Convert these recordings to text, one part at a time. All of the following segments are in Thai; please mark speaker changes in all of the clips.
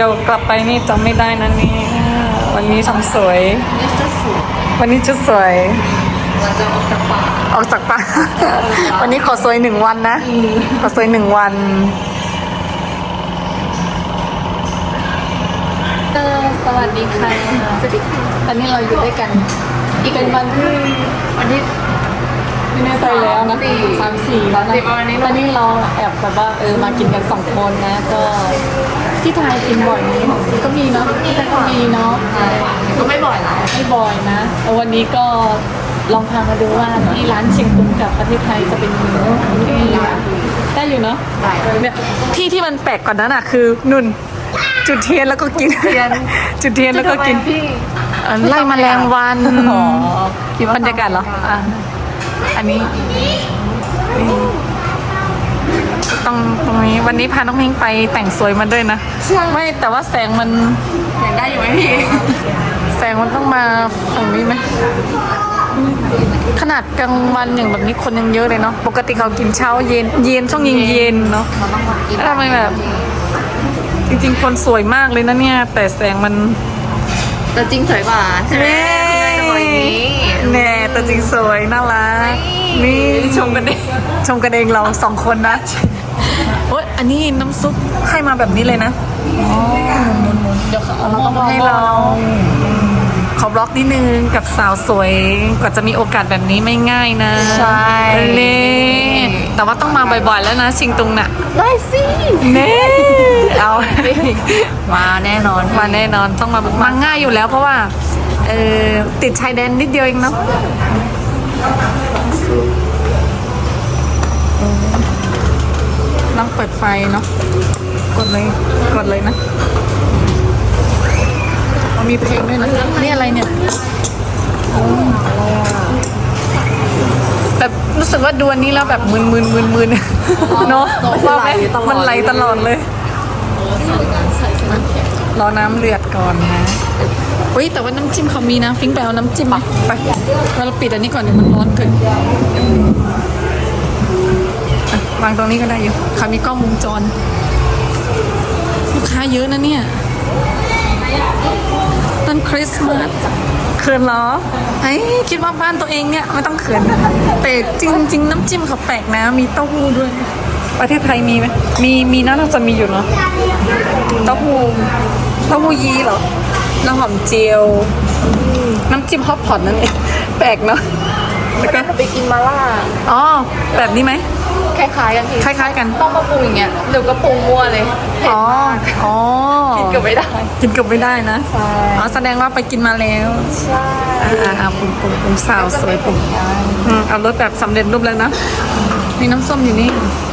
Speaker 1: ดี๋ยวกลับไปนี่จำไม่ได้นะนี่วันนี้ทำสวย วันนี้ชุดสวย
Speaker 2: เราจะออกจากป่า
Speaker 1: ออกจากป่า วันนี้ขอสวย1 วันนะขอสวย1 วันสวัสดีค่ะสวัสดีค่ะตอนนี้เราอยู่ด้วยกันอีกเป็นวันที่ไม่แน่ใจแล้วนะ3-4แล้วนะวันนี้เราแอบแบบว่ามากินกัน2 คนนะก็ที่ไทยกินบ่อยนี้ก็มีเนาะที่ไทยก็มีเนาะ
Speaker 2: ก็ไม่บ่อยนะ
Speaker 1: ไม่บ่อยนะแต่วันนี้ก็ลองพามาดูว่าที่ร้านเชียงตุงกับประเทศไทยจะเป็นยังไงได้อยู่เนาะเนี่ยที่มันแปลกกว่านั้นอ่ะคือนุ่นจุดเทียนแล้วก็กินจุดเทียนแล้วก็กิน
Speaker 2: พี่
Speaker 1: ไล่แมลงวันบรรยากาศเหรออ่ะอันนี้ตรงนี้วันนี้พาน้องพิงไปแต่งสวยมาด้วยนะไม่แต่ว่าแสงมัน
Speaker 2: ยังได้อยู่ไหมพี่
Speaker 1: แสงมันต้องมาฝั่งนี้ไหมขนาดกลางวันอย่างแบบนี้คนยังเยอะเลยเนาะปกติเขากินเช้าเย็นช่วงเย็นเนาะแล้วทำไมแบบจริงๆคนสวยมากเลยนะเนี่ยแต่แสงมัน
Speaker 2: แต่จริงสวยกว่าใช่ไหมจะบอกอย่างนี้
Speaker 1: แน่ตัวจริงสวยน่ารักนี่ชมกันเองเรา2 คนนะโอ๊ยอันนี้น้ำซุปให้มาแบบนี้เลยนะอ๋อหมุนเดี๋ยวเขาต้องให้เราขอบล็อกนิดนึงกับสาวสวยกว่าจะมีโอกาสแบบนี้ไม่ง่ายนะ
Speaker 2: ใช่
Speaker 1: เน่แต่ว่าต้องมาบ่อยๆแล้วนะชิงตุงน่ะ
Speaker 2: ได้สิ
Speaker 1: เน่เอา
Speaker 2: มาแน่นอน
Speaker 1: มาแน่นอนต้องมาง่ายอยู่แล้วเพราะว่าติดชายแดนนิดเดียวเองเนาะต้องเปิดไฟเนาะกดเลยนะมีเพลงด้วยนะนี่อะไรเนี่ยแบบรู้สึกว่าดูอันนี้แล้วแบบมึนเนาะว่าไหมมันไหลตลอดเลยรอน้ำเดือดก่อนนะเฮ้ยแต่ว่าน้ำจิ้มเขามีนะฟิ้งไปเอาน้ำจิ้มไปเราปิดอันนี้ก่อนเดี๋ยวมันร้อนเกินวางตรงนี้ก็ได้อยู่เขามีกล้องวงจรลูกค้าเยอะนะเนี่ยต้นคริสต์มาสเขินเหรอไอ้คิดว่าบ้านตัวเองเนี่ยไม่ต้องเขินแต่จริงๆน้ำจิ้มเขาแปลกนะมีเต้าหู้ด้วยประเทศไทยมีไหมมีน่าจะมีอยู่เนาะเต้าหู้ยี้เหรอน้ำหอมเจียวน้ำจิ้มฮอตพอตนั่นเองแปลกเนาะ
Speaker 2: แล้วก็ไปกินมาล่า
Speaker 1: อ๋อแบบนี้ไหม
Speaker 2: คล้ายๆกันพี่
Speaker 1: คล้ายๆกัน
Speaker 2: ต้องมาปรุงอย่างเงี้ยเดี๋ยวก็ปรุงมั่วเลยเผ็ด
Speaker 1: อ๋อ
Speaker 2: มาก
Speaker 1: อ๋อ
Speaker 2: กินเกือบไม่ได้
Speaker 1: กินเกือบไม่ได้นะ
Speaker 2: ใช่
Speaker 1: อ๋อแสดงว่าไปกินมาแล้ว
Speaker 2: ใช่
Speaker 1: ปรุงสาวสวยปรุงเอารสแบบสำเร็จรูปแล้วนะมีน้ำส้มอยู่นี่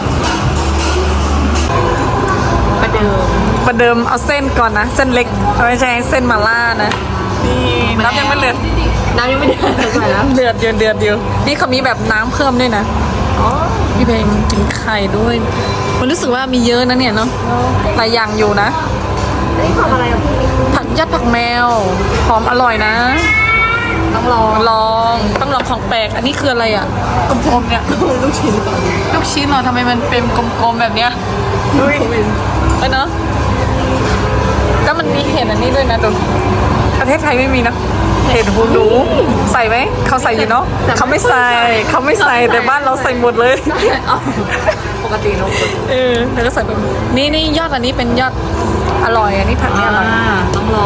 Speaker 1: ประเดิมเอาเส้นก่อนนะเส้นเล็กไม่ใช่เส้นมาล่านะนี่น้ำยังไม่เดือด
Speaker 2: น้ำยังไม่เดือดเลยนะ
Speaker 1: เดือดอยู่นี่เขามีแบบน้ำเพิ่มด้วยนะ
Speaker 2: อ๋อ
Speaker 1: พี่เพลงกินไข่ด้วยมันรู้สึกว่ามีเยอะนะเนี่ยเนาะหลายอย่างอยู่นะ
Speaker 2: นี่ทำอะไรอ่ะพี่
Speaker 1: ผักยัดผักแมวหอมอร่อยนะ
Speaker 2: ต้องลอง
Speaker 1: ต้องลองของแปลกอันนี้คืออะไรอ่ะกลมๆเนี่ย
Speaker 2: ลูกชิ้นก่อน
Speaker 1: ลูกชิ้นเหรอทำไมมันเป็นกลมๆแบบเนี้ยเนาะแล้วมันมีเห็ดอันนี้ด้วยนะดูประเทศไทยไม่มีนะเห็ดหูหนูใส่ไหมเขาใส่อยู่เนาะเขาไม่ใส่แต่บ้านเราใส่หมดเลย
Speaker 2: ปกติเนอะ
Speaker 1: แล้วก็ใส่ไปนี่ยอดอันนี้เป็นยอดอร่อยอันนี้ผัดนี่อร่อย
Speaker 2: ต้องลอง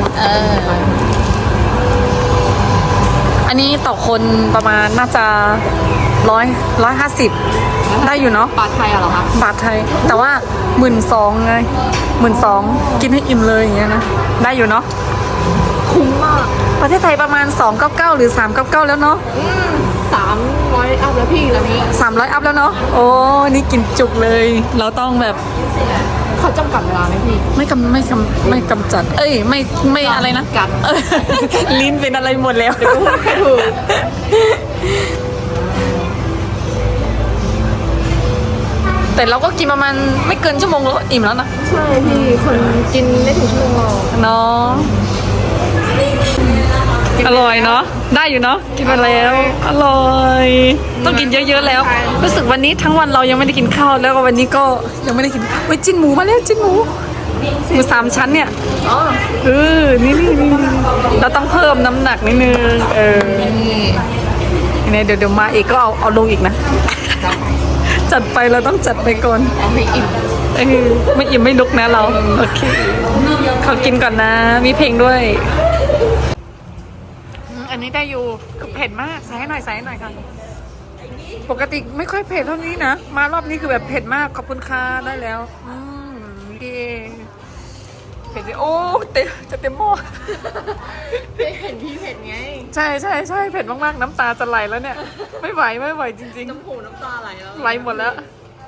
Speaker 1: อันนี้ต่อคนประมาณน่าจะ150ได้อยู่เนาะ
Speaker 2: ปลาไทยเหรอคะ
Speaker 1: บาทไทยแต่ว่า12,000ไง12,000กินให้อิ่มเลยอย่างเงี้ยนะได้อยู่เนาะ
Speaker 2: คุ้มมาก
Speaker 1: ประเทศไทยประมาณ299หรือ399แล้วเนาะ
Speaker 2: 300 อัพแล้วพี่แล้วนี้
Speaker 1: 300อัพแล้วเนาะโอ้นี่กินจุกเลยเราต้องแบบ
Speaker 2: เขาจำกัดเวลาไหมพี่
Speaker 1: ไม่กำจัดไม่อะไรนะ
Speaker 2: กัด
Speaker 1: ลิ้นเป็นอะไรหมดแล้ว
Speaker 2: เดี๋ยวก็พูดไม่ถูก
Speaker 1: แต่เราก็กินประมาณไม่เกินชั่วโมงแล้วก็อิ่มแล้วนะ
Speaker 2: ใช่พี่คนกินไม่ถึงชั่วโมงหรอก
Speaker 1: เนาะอร่อยเนาะได้อยู่เนาะกินมาแล้วอร่อยต้องกินเยอะๆแล้วรู้สึกวันนี้ทั้งวันเรายังไม่ได้กินข้าวแล้วก็วันนี้ก็ยังไม่ได้กินจิ้นหมูมาแล้วจิ้นหมูหมูสามชั้นเนี่ย
Speaker 2: อ๋อ
Speaker 1: นี่เราต้องเพิ่มน้ำหนักนิดนึง
Speaker 2: นี่
Speaker 1: เนี่ยเดี๋ยวมาอีกก็เอาลงอีกนะ จัดไปเราต้องจัดไปก่อน
Speaker 2: เอาให้อิ่ม
Speaker 1: ไม่อิ่มไม่ลุกนะเราโอเคขอกินก่อนนะ มีเพลงด้วยอันนี้ได้อยู่เผ็ดมากใส่ให้หน่อยค่ะปกติไม่ค่อยเผ็ดเท่านี้นะมารอบนี้คือแบบเผ็ดมากขอบคุณค่ะได้แล้วดีเผ็ดสิโอ้จะเต็มหม้อ
Speaker 2: ไม่เห็นพี่เผ็ดไง
Speaker 1: ใช่เผ็ดมากๆน้ำตาจะไหลแล้วเนี่ยไม่ไหวจริง
Speaker 2: น้ำหูน้ำตาไหลแล้ว
Speaker 1: ๆไหลหมดแล้ว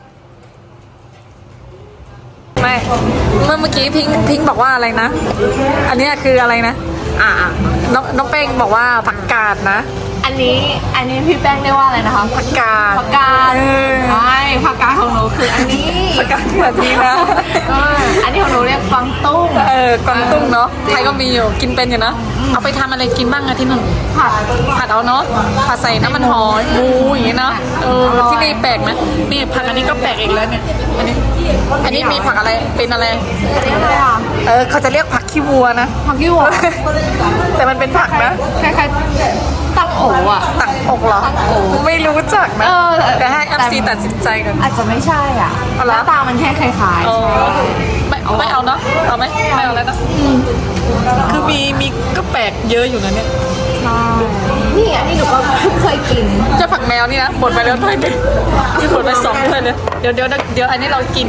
Speaker 1: ไม่เมื่อกี้พิงบอกว่าอะไรนะอันนี้คืออะไรนะน้องเป้งบอกว่าผักกาดนะ
Speaker 2: อันนี้พี่แป้งเรียกว่าอะไรนะคะ
Speaker 1: ผักกาด
Speaker 2: ใช่ผักกาดของหนูคืออันนี้
Speaker 1: ผักกาดแบบนี้นะ
Speaker 2: อันนี้ของหนูเรียกกวางตุ้ง
Speaker 1: กวางตุ้งเนาะไทยก็มีอยู่กินเป็นอยู่นะเอาไปทำอะไรกินบ้างอะที่นู่นผัดเอาเนาะผัดใส่น้ำมันหอยหมูอย่างงี้เนาะที่นี่แปลกไหมนี่ผักอันนี้ก็แปลกอีกแล้วเนี่ยอันนี้มีผักอะไรเป็นอะไรเขาจะเรียกผักขี้วัวนะ
Speaker 2: ผักขี้วัว
Speaker 1: แต่มันเป็นผักนะ
Speaker 2: คล้ายๆตักโอ๋อะ
Speaker 1: ตักอกเหรอไม่รู้จักนะแต่ให้MCตัดสินใจกัน
Speaker 2: อาจจะไม่ใช่อ่ะหน้าตามันแค่คล้าย
Speaker 1: ๆไม่เอาเนาะเอาไหมไม่เอาแล้วนะคือมีก็แปลกเยอะอยู่นะเนี่ย
Speaker 2: นี่อันนี้หนูก็เคยกิน
Speaker 1: เจ้าผักแมวนี่นะบดไปแล้วถ้วยนึงที่บดไป2ถ้วยเลยเดี๋ยวอันนี้เรากิน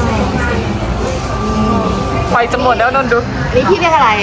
Speaker 1: ไฟจะหมดแล้วนนดู
Speaker 2: นี่พี่เรียกอะไร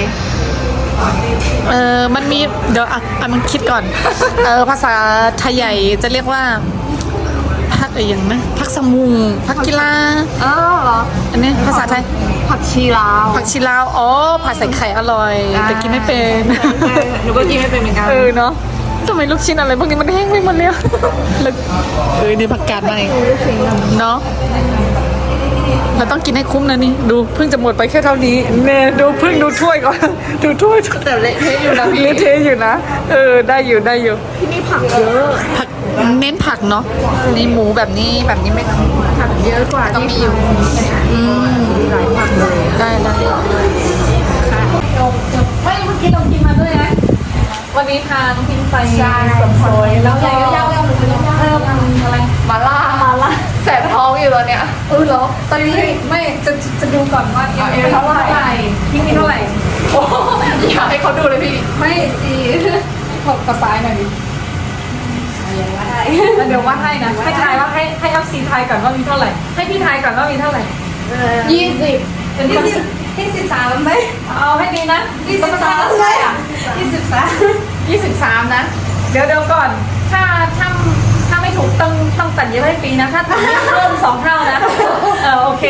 Speaker 1: มันมีเดี๋ยวมันคิดก่อนภาษาไทยใหญ่จะเรียกว่าผักอะไรอย่างนะผักสมุงผักกีฬา
Speaker 2: เหรอ
Speaker 1: อันนี้ภาษาไทย
Speaker 2: ผักชีลาว
Speaker 1: ผัดใส่ไข่อร่อยแต่กินไม่เป็น
Speaker 2: หนูก็กินไม่เป็นเหมือนกัน
Speaker 1: เนาะทำไมลูกชิ้นอะไรพวกนี้มันแห้งไปหมดเลยนี่ผักกาดมาเองเนาะเราต้องกินให้คุ้มนะนี่ดูเพิ่งจะหมดไปแค่เท่านี้เนี่ยดูเพิ่งดูถ้วยก่อนดูถ้วย
Speaker 2: แต่เละเทะอยู่นะ
Speaker 1: เละเทะอยู่นะได้อยู่
Speaker 2: ที่นี่ผักเยอะ
Speaker 1: ผักเน้นผักเนาะนี่หมูแบบนี้ไม่
Speaker 2: ผักเยอะกว่า
Speaker 1: ต้องมีอยู่
Speaker 2: หลายผักเลย
Speaker 1: ได้ไม่เมื่อกี้เรากินมาด้วยนะวันนี้พาน้องพิงไปสมซอยแล้วก็เพิ่มอะไร
Speaker 2: มาล่าแสบท้องอยู่ตอนเนี้ย
Speaker 1: เหรอตอนนี้ไม่จะดูก่อนว่าเอวเท่าไหร่พี่มีเท่าไหร่
Speaker 2: อยากให้เขาดูเลยพี่
Speaker 1: ไม่สิขอบกระซ้ายหน่อยดิเดี๋ยวว่าให้นะให้ทายว่าให้อัพซีทายก่อนว่ามีเท่าไหร่ให้พี่ทายก่อนว่ามีเท่าไหร่
Speaker 2: 20
Speaker 1: เป็น
Speaker 2: 23ไหม
Speaker 1: เอาให้ดีนะ
Speaker 2: 23ใช่อ่ะ
Speaker 1: 23นะเดี๋ยวก่อนถ้าไม่ถูกต้องตัดเยอะให้ฟรีนะถ้าทำเพิ่ม2เท่านะโอเค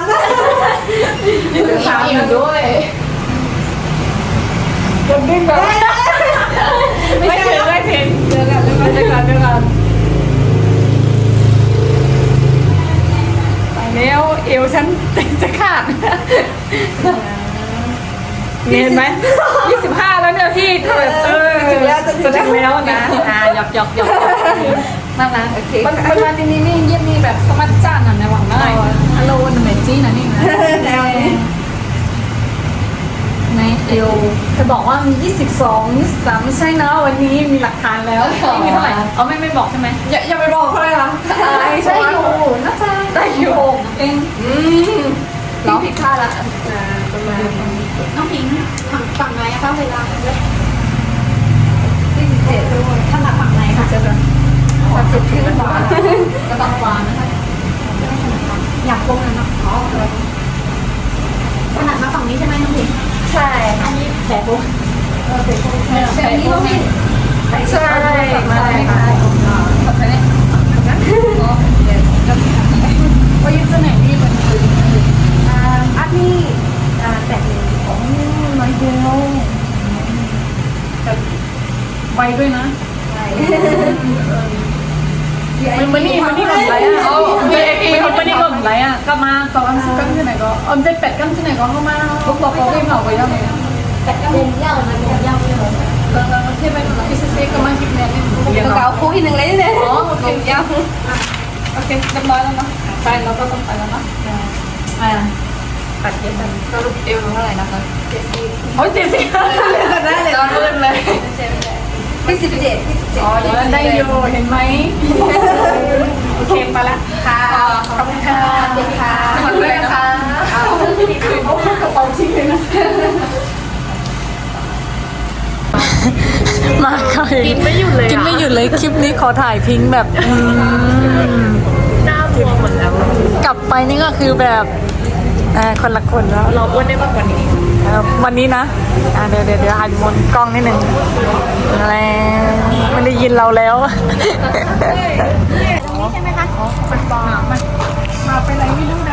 Speaker 2: 23อยู่ด้วย
Speaker 1: คนดิ้นแบบไม่ถึงเดี๋ยวกันไปแล้วเอวฉันจะขาดเห็นไหม25แล้วเนี่ยพี่เธอจะถึงแล้วนะหยอกนั่นนะโอเคมันมาที่นี่เยี่ยมนี่แบบสมัติจ้านในหวังได้ฮัลโหลนเมจี้นะนี่นะในเอวจะบอกว่ามี22 23ไม่ใช่นะวันนี้มีหลักฐานแล้วมีเท่าไหร่ไม่บอกใช่ไหม
Speaker 2: อย่าไปบอกเขาเลยค่ะ
Speaker 1: ใช่อยู่น่าจะได้อยู่เอง
Speaker 2: พี่ผิดคาดละ
Speaker 1: ประมาณ
Speaker 2: น้องพิงฝั่งไหนอะคะเวลา27ด้วยถ้าหนักฝั่งไหนค่ะจะแบบ37ขึ้นขวาก็ต้องขวานะคะอยากโค้งนะเนาะถนัดมาฝั่งนี้ใช่ไหมน้องพิงใช่อันนี้แผลโค้งแต่นี้ก็ไม่
Speaker 1: ใช่มาเลยค่ะขับไปเนี่ยว่ายึดจะไหนดีมัน
Speaker 2: อันนี้แต่
Speaker 1: น้อยเดียวไวด้วยนะมันนี่หล่นไรอ่ะมันนี่หล่นไรอ่ะก็มาต่อกันสิกันที่ไหนก็จะเป็ดกันที่ไหนก็เข้ามาบอกเขาไม่เหมาไปยังไง
Speaker 2: เป็ดกันเป็นยาวมันยาวเลย
Speaker 1: แล้วที่ไปพิเศษก็มาคิดแน่
Speaker 2: นี่เก่าคู่อีกหนึ่งเลยเนี่ย
Speaker 1: โอเคยาวโอเคเรียบร้อยแล้วเนาะไปเราก็ต้องไปแล้วเนาะ
Speaker 2: ตัดเย็บกัน
Speaker 3: สรุปเอวเท่าไหร่นะคะ
Speaker 1: โอ้ย70
Speaker 2: ได้เลย
Speaker 3: ตอนรุ่นเลย
Speaker 2: ที่17ที่17
Speaker 3: อ๋อ
Speaker 1: ได้อยู่เห็นไหมโอเคไปละ
Speaker 2: ค่ะ
Speaker 1: ขอบคุณค่ะ
Speaker 2: สวัสดีค่ะ
Speaker 3: ขอบคุณนะคะ
Speaker 1: กระเป๋าทิ้งเลยนะมาค่ะกินไม่หยุดเลยกินไม่หยุดเลยคลิปนี้ขอถ่ายพิงค์แบบหน้าบวมหมดแล้วกลับไปนี่ก็คือแบบคนละคนแล้ว
Speaker 3: เราอ้วนได้มากกว่านี้
Speaker 1: วันนี้นะเดี๋ยวหันมนกล้องนิดหนึ่งอะไรไม่ได้ยินเราแล้ว
Speaker 2: ใช่ไหมคะ
Speaker 1: มาไปไหนไม่รู้นะ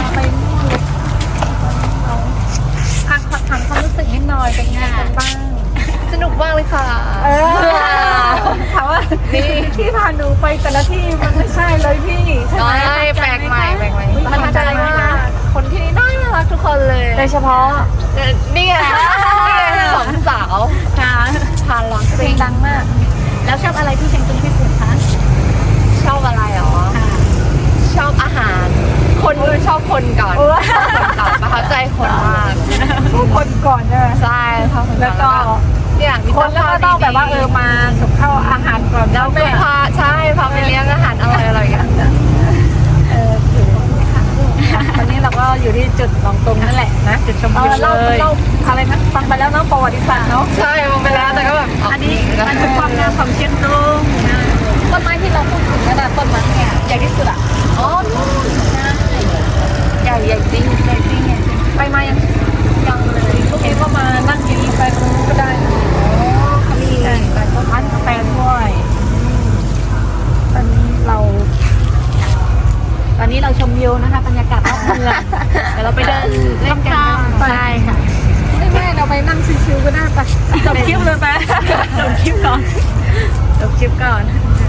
Speaker 2: ถามความรู้สึกนิดหน่อยเป็นไงกันบ้าง
Speaker 3: สนุกมากเลยค่ะ
Speaker 2: ถามว่าที่พาหนูไปแต่ละที่มันไม่ใช่เลยพี่ใช่ไหม
Speaker 3: แปลกใหม่
Speaker 2: ประทับใจมากคนที่นี่น่ารักทุกคนเลย
Speaker 1: โดยเฉพาะ
Speaker 3: นี่ไงสองสาว
Speaker 2: ค่ะ
Speaker 3: พาร้อง
Speaker 2: เพลงดังมาก แล้วชอบอะไรที่เชียงตุงที่สุดคะ
Speaker 3: ชอบอะไรหรอ ชอบอาหาร คนชอบคนก่อนประทับใจคนมาก
Speaker 2: คนก่อนใช่ไหม
Speaker 3: ใช่ชอบคน
Speaker 2: แล้วก็
Speaker 3: เนี่ย
Speaker 2: คนแล้วก็ต้องแบบว่ามากับข้าวอาหารก่อน
Speaker 3: แล้วก็พาใช่พาไปเลี้ยงอาหารอร่อยๆกัน
Speaker 2: ถือค่ะตอนนี้เราก็อยู่ที่จุดลองตรงนั่นแหละนะจุดชมวิวเลยเราอะไรนะฟังไปแล้วเนาะประวัติศาสตร์เนาะ
Speaker 3: ใช่มองไปแล้วแต่ก็แบบ
Speaker 2: อันนี้มันคือความงามของเชียงตุงต้นไม้ที่เราพูดถึงนั่นแหละต้นไม้เนี่ยใหญ่ที่สุดอ่ะ
Speaker 3: อ๋อ
Speaker 2: ใช่
Speaker 3: ใหญ่จริง
Speaker 2: ใหญ่จริงเนี่ยไปมายังเลยพวกนี้ก็มานั่งกินไปตรงนู้นก็ได้นะเขามีร้านกาแฟด้วยตอนนี้เราชมวิวนะคะบรรยากาศรอบเมืองเดี๋ยวเราไปเดินเล่นกันใช่ค่ะไม่เราไปนั่งชิวๆก็ได้ปะจบคลิปเลยไปจบคลิปก่อน